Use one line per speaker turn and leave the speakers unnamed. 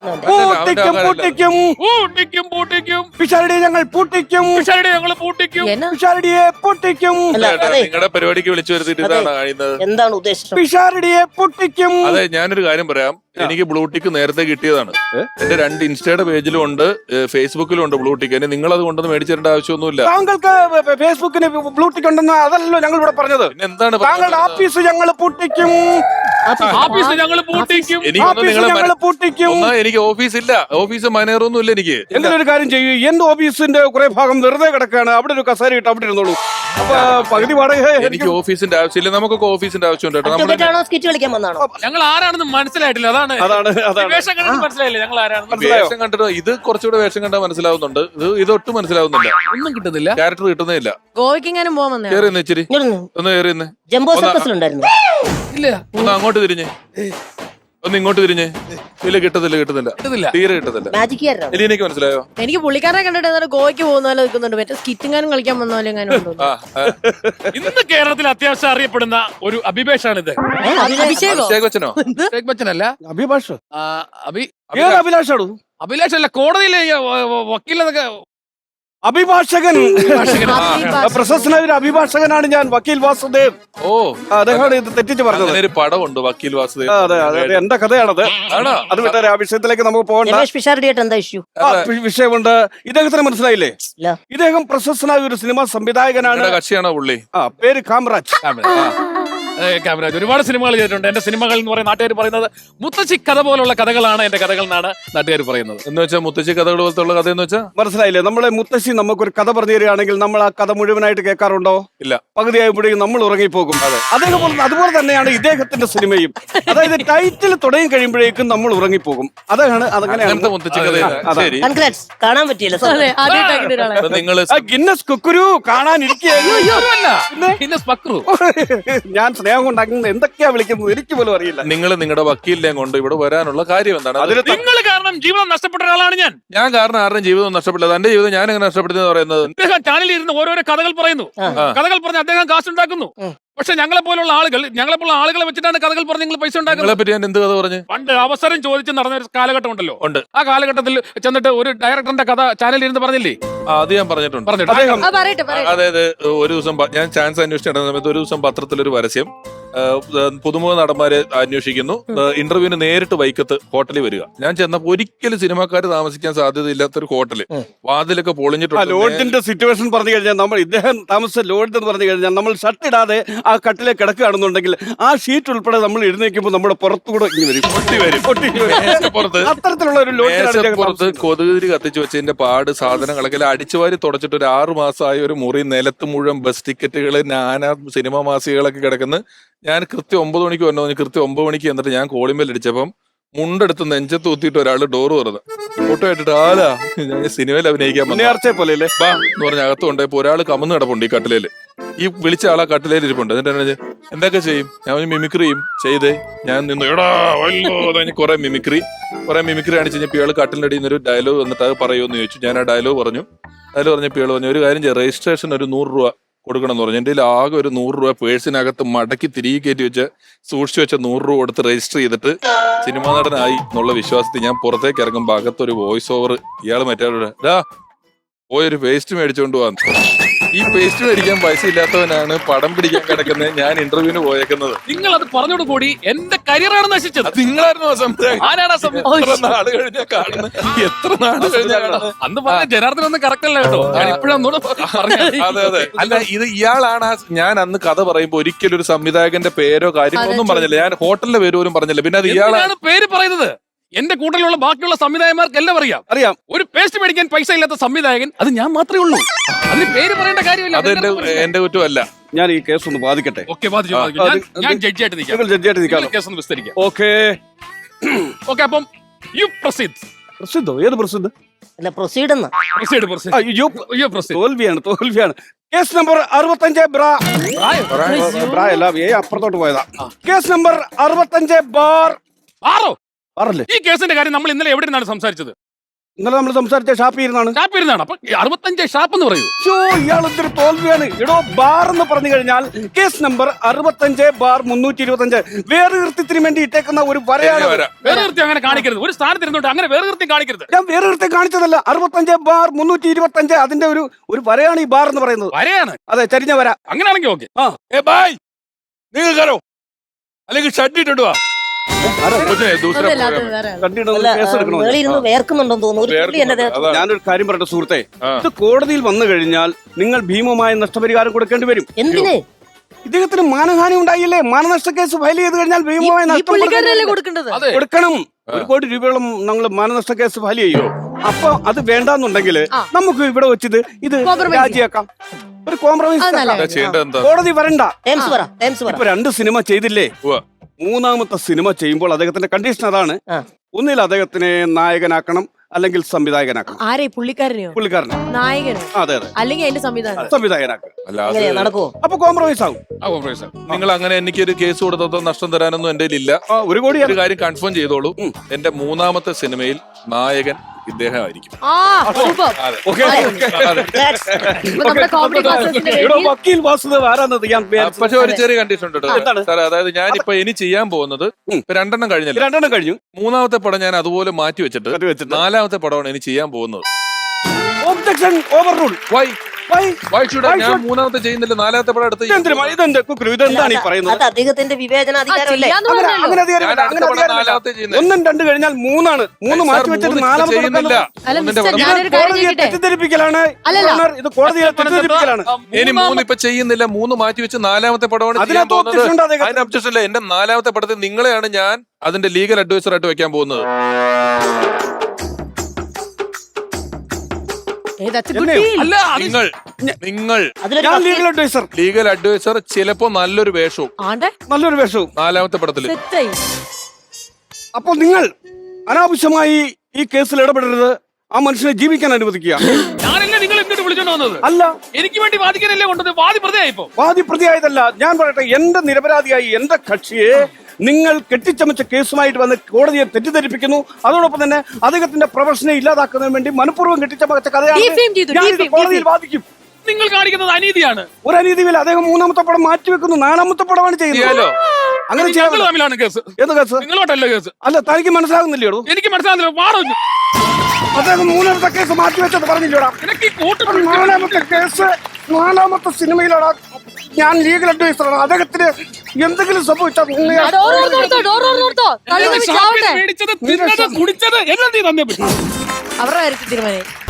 പൂട്ടിക്കും പൂട്ടിക്കും
പൂട്ടിക്കും പൂട്ടിക്കും
പിഷാരടിയെ ഞങ്ങൾ പൂട്ടിക്കും
പിഷാരടിയെ ഞങ്ങൾ പൂട്ടിക്കും
പിഷാരടിയെ പൂട്ടിക്കും
നിങ്ങളുടെ പരിപാടിക്ക് വിളിച്ചു വരുത്തിട്ട് ഇതാണ് കഴിയുന്നത്.
എന്താണ് ഉദ്ദേശം?
പിഷാരടിയെ പൊട്ടിക്കും.
അതെ, ഞാനൊരു കാര്യം പറയാം. എനിക്ക് ബ്ലൂടിക്ക് നേരത്തെ കിട്ടിയതാണ്. എന്റെ 2 ഇൻസ്റ്റയുടെ പേജിലും ഉണ്ട്, ഫേസ്ബുക്കിലും ഉണ്ട് ബ്ലൂടിക്ക്. എന്നെ നിങ്ങൾ അത് കൊണ്ടൊന്ന് മേടിച്ചു തരേണ്ട ആവശ്യമൊന്നുമില്ല.
താങ്കൾക്ക് ഫേസ്ബുക്കിന് ബ്ലൂടിക്ക് ഉണ്ടെന്ന് അതല്ലോ ഞങ്ങൾ ഇവിടെ പറഞ്ഞത്.
പിന്നെ എന്താണ്
താങ്കളുടെ ആഫീസ് ഞങ്ങൾ പൂട്ടിക്കും.
ആഫീസ് ഞങ്ങൾ പൂട്ടിക്കും.
ഞങ്ങൾ പൂട്ടിക്കും.
എനിക്ക് ഓഫീസ് ഇല്ല, ഓഫീസ് മനേറൊന്നും ഇല്ല എനിക്ക്.
എന്തെങ്കിലും ഒരു കാര്യം ചെയ്യൂ. എന്റെ ഓഫീസിന്റെ കുറെ ഭാഗം വെറുതെ കിടക്കാണ്. അവിടെ ഒരു കസേര ഇട്ട് അവിടെ ഇരുന്നോളൂ. അപ്പൊ പകുതി വാടക
എനിക്ക് ഓഫീസിന്റെ ആവശ്യമില്ല. നമുക്കൊക്കെ ഓഫീസിന്റെ ആവശ്യമുണ്ട് കേട്ടോ. നമ്മുടെ
സ്കിറ്റ് കളിക്കാൻ വന്നാണോ?
ഞങ്ങൾ ആരാണെന്ന് മനസ്സിലായിട്ടില്ല. അതാണ് വേഷം കണ്ടിട്ട് മനസ്സിലായില്ല ഞങ്ങൾ ആരാണെന്ന്.
വേഷം കണ്ടിട്ട് ഇത് കുറച്ചുകൂടെ വേഷം കണ്ടാൽ മനസ്സിലാവുന്നുണ്ട്. ഇതൊട്ടും മനസ്സിലാവുന്നില്ല.
ഒന്നും കിട്ടുന്നില്ല,
ക്യാരക്ടർ കിട്ടുന്നേ ഇല്ല.
ഗോവയ്ക്കെങ്ങാനും പോകാൻ വന്നേ.
കേറി ഇച്ചിരി ഒന്ന് കേറി ഇന്ന്.
ജംബോ സർക്കസിലുണ്ടായിരുന്നു.
ഇല്ല.
ഒന്ന് അങ്ങോട്ട് തിരിഞ്ഞ്, ഒന്ന് ഇങ്ങോട്ട് തിരിഞ്ഞ്. ഇല്ല, കിട്ടുന്നില്ല, തീരെ കിട്ടുന്നില്ല.
മാജിക്
എലീനയ്ക്ക് മനസ്സിലായോ?
എനിക്ക് പുള്ളിക്കാരെ കണ്ടിട്ട് ഏതാണ്ട് ഗോവയ്ക്ക് പോകുന്ന പോലെ നിൽക്കുന്നുണ്ട്. മറ്റേ സ്കിറ്റിങ്ങാനും കളിക്കാൻ വന്ന പോലെ എങ്ങാനും ഉണ്ടോ?
ഇന്ന് കേരളത്തിൽ അത്യാവശ്യം അറിയപ്പെടുന്ന ഒരു അഭിഭാഷാണിത്.
അഭിഷേകോ?
അഭിഷേക് ബച്ചനോ?
അഭിഷേക് ബച്ചനല്ല,
അഭിഭാഷ്. അഭിലാഷാണോ?
അഭിലാഷല്ല, കോടതിയിലെ വക്കീലെന്നൊക്കെ.
അഭിഭാഷകൻ, പ്രശസ്തനായ ഒരു അഭിഭാഷകനാണ് ഞാൻ, വക്കീൽ വാസുദേവ്.
ഓ,
അദ്ദേഹമാണ് ഇത് തെറ്റിച്ച് പറഞ്ഞത്.
ഒരു പടമുണ്ട് വക്കീൽ വാസുദേവ്.
അതെ അതെ, എന്റെ കഥയാണത്. അത് വിട്ടാരെ ആ വിഷയത്തിലേക്ക് നമുക്ക് പോകണ്ട.
രമേഷ് പിഷാരടിയായിട്ട് എന്താ ഇഷ്യൂ?
വിഷയമുണ്ട്. ഇദ്ദേഹത്തിന് മനസ്സിലായില്ലേ? ഇദ്ദേഹം പ്രശസ്തനായ ഒരു സിനിമാ സംവിധായകനാണ്.
കക്ഷിയാണോ പുള്ളി?
പേര് കാമറാജ്.
കാമരാജ് ഒരുപാട് സിനിമകൾ ചെയ്തിട്ടുണ്ട്. എന്റെ സിനിമകൾ എന്ന് പറയുന്ന നാട്ടുകാർ പറയുന്നത് മുത്തശ്ശി കഥ പോലുള്ള കഥകളാണ് എന്റെ കഥകൾ എന്നാണ് നാട്ടുകാർ പറയുന്നത്.
എന്ന് വെച്ചാൽ മുത്തശ്ശി കഥകൾ പോലത്തെ ഉള്ള കഥ എന്ന് വെച്ചാൽ
മനസ്സിലായില്ലേ? നമ്മളെ മുത്തശ്ശി നമുക്കൊരു കഥ പറഞ്ഞു തരികയാണെങ്കിൽ നമ്മൾ ആ കഥ മുഴുവനായിട്ട് കേൾക്കാറുണ്ടോ?
ഇല്ല,
പകുതിയായപ്പോഴേക്കും നമ്മൾ ഉറങ്ങിപ്പോകും. അതുപോലെ തന്നെയാണ് ഇദ്ദേഹത്തിന്റെ സിനിമയും. അതായത് ടൈറ്റിൽ തുടങ്ങി കഴിയുമ്പോഴേക്കും നമ്മൾ ഉറങ്ങിപ്പോകും. അതാണ് അതങ്ങനെയാണ്
മുത്തശ്ശി കഥ. ശരി,
കാണാൻ പറ്റിയില്ല.
നിങ്ങള്
ഗിന്നസ് കുക്കുരു കാണാനിരിക്കുകയായിരുന്നു. ഞാൻ സ്നേഹം കൊണ്ട് അങ്ങനെ എന്തൊക്കെയാ വിളിക്കുന്നത് എനിക്ക് പോലും അറിയില്ല.
നിങ്ങൾ നിങ്ങളുടെ വക്കീലിനെയും കൊണ്ട് ഇവിടെ വരാനുള്ള കാര്യം എന്താണ്?
നിങ്ങൾ കാരണം ജീവിതം നഷ്ടപ്പെട്ട ഒരാളാണ് ഞാൻ.
ഞാൻ കാരണം ആരുടെയും ജീവിതം നഷ്ടപ്പെട്ടത്. എന്റെ ജീവിതം ഞാൻ എങ്ങനെ നഷ്ടപ്പെടുന്നത് പറയുന്നത്?
അദ്ദേഹം ചാനലിൽ ഇരുന്ന് ഓരോരോ കഥകൾ പറയുന്നു. കഥകൾ പറഞ്ഞ് അദ്ദേഹം കാശുണ്ടാക്കുന്നു. പക്ഷെ ഞങ്ങളെ പോലുള്ള ആളുകളെ വെച്ചിട്ടാണ് കഥകൾ പറഞ്ഞ് നിങ്ങൾ പൈസ ഉണ്ടാക്കുന്നത്.
പറ്റി ഞാൻ എന്ത് കഥ പറഞ്ഞു?
പണ്ട് അവസരം ചോദിച്ച് നടന്ന ഒരു കാലഘട്ടം ഉണ്ടല്ലോ. ആ കാലഘട്ടത്തിൽ ചെന്നിട്ട് ഒരു ഡയറക്ടറിന്റെ കഥ ചാനലിൽ ഇരുന്ന് പറഞ്ഞില്ലേ?
അത് ഞാൻ പറഞ്ഞിട്ടുണ്ട്. അതായത് ഒരു ദിവസം ഞാൻ ചാൻസ് അന്വേഷിച്ചിരുന്ന സമയത്ത് ഒരു ദിവസം പത്രത്തിലൊരു പരസ്യം, പുതുമുഖ നടന്മാരെ അന്വേഷിക്കുന്നു, ഇന്റർവ്യൂവിന് നേരിട്ട് വൈക്കത്ത് ഹോട്ടലിൽ വരിക. ഞാൻ ചെന്നപ്പോ ഒരിക്കലും സിനിമാക്കാർ താമസിക്കാൻ സാധ്യതയില്ലാത്തൊരു ഹോട്ടല്, വാതിലൊക്കെ പൊളിഞ്ഞിട്ടുണ്ട്.
ലോഡ്ജിന്റെ സിറ്റുവേഷൻ പറഞ്ഞു കഴിഞ്ഞാൽ നമ്മൾ ഇദ്ദേഹം താമസിച്ച ലോഡ്ജ് എന്ന് പറഞ്ഞു കഴിഞ്ഞാൽ നമ്മൾ ഷർട്ട് ഇടാതെ ആ കട്ടിലെ കിടക്കുകയാണെന്നുണ്ടെങ്കിൽ ആ ഷീറ്റ് ഉൾപ്പെടെ നമ്മൾ എഴുന്നേക്കുമ്പോൾ നമ്മുടെ പുറത്തുകൂടെ അത്തരത്തിലുള്ള ഒരു
പുറത്ത് കൊതുകുതിരി കത്തിച്ചു വെച്ചതിന്റെ പാട്, സാധനങ്ങളൊക്കെ അടിച്ചുവാരി തുടച്ചിട്ട് ഒരു 6 മാസമായ ഒരു മുറി, നിലത്ത് മുഴുവൻ ബസ് ടിക്കറ്റുകള്, നാനാ സിനിമാ മാസികകളൊക്കെ കിടക്കുന്നു. ഞാൻ കൃത്യം 9 മണിക്ക് വന്നു. കൃത്യം 9 മണിക്ക് എന്നിട്ട് ഞാൻ കോളിംബെൽ അടിച്ചപ്പം മുണ്ടെടുത്ത് നെഞ്ചത്ത് ഊത്തിയിട്ട് ഒരാൾ ഡോറ് തുറന്ന് ഫോട്ടോ ആയിട്ടിട്ട് ആലാ ഞാൻ സിനിമയിൽ അഭിനയിക്കാൻ പോലെ ബാ എന്ന് പറഞ്ഞ അകത്ത് കൊണ്ടുപോയപ്പോ ഒരാൾ കമന്ന് കിടപ്പുണ്ട് ഈ കട്ടിലേല്. ഈ വിളിച്ച ആളാ കട്ടിലേൽ ഇരിപ്പുണ്ട്. എന്നിട്ട് എന്തൊക്കെ ചെയ്യും? ഞാൻ മിമിക്രി ചെയ്തേ. ഞാൻ നിന്ന് എടാ വല്ലോ കുറെ മിമിക്രി കാണിച്ച് കഴിഞ്ഞപ്പോ ഇയാൾ കട്ടിലിന്റെ അടിയിൽ നിന്നൊരു ഡയലോഗ് വന്നിട്ട് അത് പറയുമെന്ന് ചോദിച്ചു. ഞാൻ ആ ഡയലോഗ് പറഞ്ഞപ്പോ ഇയാൾ പറഞ്ഞു, ഒരു കാര്യം ചെയ്യാം, രജിസ്ട്രേഷൻ ഒരു 100 രൂപ കൊടുക്കണം എന്ന് പറഞ്ഞു. എൻ്റെ ആകെ ഒരു 100 രൂപ പേഴ്സിനകത്ത് മടക്കി തിരികെ കയറ്റി വെച്ച് സൂക്ഷിച്ചു വെച്ച 100 രൂപ കൊടുത്ത് രജിസ്റ്റർ ചെയ്തിട്ട് സിനിമാ നടനായി എന്നുള്ള വിശ്വാസത്തിൽ ഞാൻ പുറത്തേക്ക് ഇറങ്ങുമ്പോൾ അകത്തൊരു വോയിസ് ഓവർ, ഇയാൾ മറ്റേ പോയൊരു പേസ്റ്റ് മേടിച്ചോണ്ട് പോവാന്ന്. ഈ പേസ്റ്റ് മേടിക്കാൻ പൈസ ഇല്ലാത്തവനാണ് പടം പിടിക്കാൻ കിടക്കുന്നത്. ഞാൻ ഇന്റർവ്യൂവിന് പോയേക്കുന്നത്.
നിങ്ങൾ അത് പറഞ്ഞോട് കൂടി എന്റെ കരിയറാണ് നശിച്ചത്.
നിങ്ങളായിരുന്നു
സംസാരിക്കുന്നത്.
നാട് കഴിഞ്ഞാൽ കാണുന്നത്, എത്ര നാട് കഴിഞ്ഞാൽ
അന്ന് പറഞ്ഞ ജനാർദ്ദൻ ഒന്നും കറക്റ്റ് അല്ല കേട്ടോ. ഞാൻ ഇപ്പോഴൊന്നും
അതെ അതെ അല്ല, ഇത് ഇയാളാണ്. ഞാൻ അന്ന് കഥ പറയുമ്പോ ഒരിക്കലും ഒരു സംവിധായകന്റെ പേരോ കാര്യങ്ങളൊന്നും പറഞ്ഞില്ല. ഞാൻ ഹോട്ടലിന്റെ പേര് പോലും പറഞ്ഞില്ല. പിന്നെ അത് ഇയാളാണ് പേര് പറയുന്നത്. എന്റെ കൂട്ടത്തിലുള്ള ബാക്കിയുള്ള സംവിധായകന്മാർക്ക് എല്ലാം അറിയാം. ഒരു പേസ്റ്റ് മേടിക്കാൻ പൈസ ഇല്ലാത്ത സംവിധായകൻ അത് ഞാൻ മാത്രമേ ഉള്ളൂ. അതിന് പേര് പറയേണ്ട കാര്യമില്ല. അത് എന്റെ കുറ്റമല്ല.
ഞാൻ ഈ കേസ് ഒന്ന് ബാധിക്കട്ടെ.
ഞാൻ ജഡ്ജിയായിട്ട് നിൽക്കാം. കേസ് ഒന്ന് വിസ്തരിക്കാം.
ഓക്കെ,
അപ്പം യു പ്രൊസീഡ്.
പ്രസിദ്ധോ? ഏത് പ്രസിദ്ധ? തോൽവിയാണ്. കേസ് നമ്പർ 65 അപ്പുറത്തോട്ട് പോയതാ. Case number 65 bar.
ഈ കേസിന്റെ കാര്യം നമ്മൾ ഇന്നലെ എവിടെ നിന്നാണ് സംസാരിച്ചത്?
ഇന്നലെ നമ്മൾ സംസാരിച്ച ഷാപ്പിൽ ഇരുന്നാണ്.
ഷാപ്പ് ഇരുന്നാണ്. അപ്പൊ 65 ഷാപ്പ് എന്ന് പറയൂ.
ഇയാൾ ഇത്തിരി തോൽവിയാണ്. എടോ, ബാർ എന്ന് പറഞ്ഞു കഴിഞ്ഞാൽ കേസ് നമ്പർ 65/325 വേറെ കൃത്യത്തിന് വേണ്ടി ഇട്ടേക്കുന്ന ഒരു വരയാണ്.
വേറെ കൃത്യം അങ്ങനെ കാണിക്കരുത്. ഒരു സ്ഥാനത്ത് ഇരുന്നോട്ട് അങ്ങനെ വേറെ കൃത്യം കാണിക്കരുത്.
ഞാൻ വേറെ കൃത്യം കാണിച്ചതല്ല. 65/325 അതിന്റെ ഒരു വരയാണ് ഈ ബാർ എന്ന് പറയുന്നത്.
വരയാണ്.
അതെ, ചരിഞ്ഞ വര.
അങ്ങനെയാണെങ്കിൽ ഓക്കെ.
ബായ് നിങ്ങൾ കയറോ അല്ലെങ്കിൽ ഷഡ് ഇട്ടിട്ട് വാ.
അതല്ല, അത് വേറെ ആള്.
കണ്ടിട്ട് കേസ് എടുക്കണോ?
ഇരുന്ന് വേർക്കുന്നുണ്ടെന്ന് തോന്നുന്നു. ഒരു തുള്ളി എന്റെ ദേഹത്ത്.
ഞാനൊരു കാര്യം പറയട്ടെ സുഹൃത്തെ, ഇത് കോടതിയിൽ വന്നു കഴിഞ്ഞാൽ നിങ്ങൾ ഭീമമായ നഷ്ടപരിഹാരം കൊടുക്കേണ്ടി വരും.
എന്തിന്?
ഇദ്ദേഹത്തിന് മാനഹാനി ഉണ്ടായില്ലേ? മാനനഷ്ട കേസ് ഫയൽ ചെയ്ത് കഴിഞ്ഞാൽ ഭീമമായ
ഈ
നഷ്ടം
പുള്ളിക്കാരനല്ലേ കൊടുക്കേണ്ടത്?
കൊടുക്കണം. 1 കോടി രൂപയോളം നമ്മൾ മാനനഷ്ട കേസ് ഫയൽ ചെയ്യോ? അപ്പൊ അത് വേണ്ടാന്നുണ്ടെങ്കിൽ നമുക്ക് ഇവിടെ വെച്ചിത് ഇത് രാജിയാക്കാം. ഒരു കോംപ്രമൈസ്. കോടതി വരണ്ട. ഇപ്പൊ 2 സിനിമ ചെയ്തില്ലേ? 3ാമത്തെ സിനിമ ചെയ്യുമ്പോൾ അദ്ദേഹത്തിന്റെ കണ്ടീഷൻ അതാണ്. ഒന്നിൽ അദ്ദേഹത്തിനെ നായകനാക്കണം, അല്ലെങ്കിൽ സംവിധായകനാക്കണം.
ആരെ? പുള്ളിക്കാരനെയോ?
പുള്ളിക്കാരനെ.
നായകനോ?
അതെ അതെ,
അല്ലെങ്കിൽ അതിന്റെ സംവിധാനം?
സംവിധായകനാക്കണം.
നടക്കുവോ?
അപ്പൊ കോംപ്രമൈസ് ആവും.
നിങ്ങൾ അങ്ങനെ എനിക്കൊരു കേസ് കൊടുത്തോ നഷ്ടം തരാനൊന്നും എന്റെ ഇല്ല.
1 കോടി.
ഒരു കാര്യം കൺഫേം ചെയ്തോളൂ, എന്റെ 3ാമത്തെ സിനിമയിൽ നായകൻ ഇദ്ദേഹമായിരിക്കും. പക്ഷെ ഒരു ചെറിയ കണ്ടീഷൻ ഉണ്ട് സാർ. അതായത് ഞാൻ ഇപ്പൊ ഇനി ചെയ്യാൻ പോകുന്നത് 2 കഴിഞ്ഞല്ലോ.
2 കഴിഞ്ഞു.
3ാമത്തെ പടം ഞാൻ അതുപോലെ മാറ്റി വെച്ചിട്ട് 4ാമത്തെ പടമാണ് ഇനി ചെയ്യാൻ പോകുന്നത്.
Objection overrule.
വൈ ഞാൻ 3ാമത്തെ ചെയ്യുന്നില്ല, 4ാമത്തെ പടം എടുത്ത്
ഇതെന്താണ് ഈ പറയുന്നത്?
അത് അദ്ദേഹത്തിന്റെ വിവേചന അധികാരമല്ലേ?
അങ്ങനെ അധികാരം 1, 2 കഴിഞ്ഞാൽ 3 മാറ്റി വെച്ചിട്ട് 4ാമത്തെ തെറ്റിദ്ധരിപ്പിക്കലാണ്. ഇത് കോടതിയെ തെറ്റിദ്ധരിപ്പിക്കലാണ്.
ഇനി 3 ഇപ്പൊ ചെയ്യുന്നില്ല, 3 മാറ്റി വെച്ച് 4ാമത്തെ പടമാണ് ചെയ്യാൻ പോകുന്നത്. അതിന് ഒബ്ജക്ഷൻ ഇല്ല. എന്റെ 4ാമത്തെ പടത്തിൽ നിങ്ങളെയാണ് ഞാൻ അതിന്റെ ലീഗൽ അഡ്വൈസർ ആയിട്ട് വെക്കാൻ പോകുന്നത്. നിങ്ങൾ ലീഗൽ അഡ്വൈസർ ചിലപ്പോ നല്ലൊരു വേഷവും 4ാമത്തെ പടത്തിൽ.
അപ്പോൾ നിങ്ങൾ അനാവശ്യമായി ഈ കേസിൽ ഇടപെടരുത്. ആ മനുഷ്യനെ ജീവിക്കാൻ അനുവദിക്കുക.
ഞാനല്ലേ നിങ്ങൾ എന്നിട്ട് വിളിച്ചോണ്ട് വന്നത്?
അല്ല,
എനിക്ക് വേണ്ടി വാദിക്കാനല്ലേ കൊണ്ടത്? വാദി പ്രതിയായിപ്പോ?
വാദി പ്രതിയായതല്ല. ഞാൻ പറയട്ടെ, എന്റെ നിരപരാധിയായി എന്റെ കക്ഷിയെ നിങ്ങൾ കെട്ടിച്ചമച്ച കേസുമായിട്ട് വന്ന് കോടതിയെ തെറ്റിദ്ധരിപ്പിക്കുന്നു. അതോടൊപ്പം തന്നെ അദ്ദേഹത്തിന്റെ പ്രൊഫഷനെ ഇല്ലാതാക്കുന്നതിന് വേണ്ടി മനഃപൂർവ്വം കെട്ടിച്ചമച്ച കഥയാണ്. കോടതിയിൽ വാദിക്കും.
നിങ്ങൾ കാണിക്കുന്നത് അനീതിയാണ്.
ഒരു അനീതിയില്ല. അദ്ദേഹം 3ാമത്തെ പടം മാറ്റിവെക്കുന്നു, 4ാമത്തെ പടമാണ് ചെയ്യുന്നത്. അങ്ങനെ
തമ്മിലാണ് കേസ്.
ഏത് കേസ്?
നിങ്ങളോട്ടല്ല കേസ്.
അല്ല, തനിക്ക് മനസ്സിലാകുന്നില്ലേടോ?
എനിക്ക് മനസ്സിലാകുന്നില്ല. വാടോ,
അദ്ദേഹം 3ാമത്തെ കേസ് മാറ്റിവെച്ചത് പറഞ്ഞില്ലോടാ. 4ാമത്തെ സിനിമയിലാണ് ഞാൻ ലീഗൽ അഡ്വൈസറാണ്. അദ്ദേഹത്തിന് എന്തെങ്കിലും സംഭവിച്ചാൽ
കുടിച്ചത് എല്ലാം നീ തന്നെ
അവരുടെ കാര്യത്തിൽ തീരുമാനം.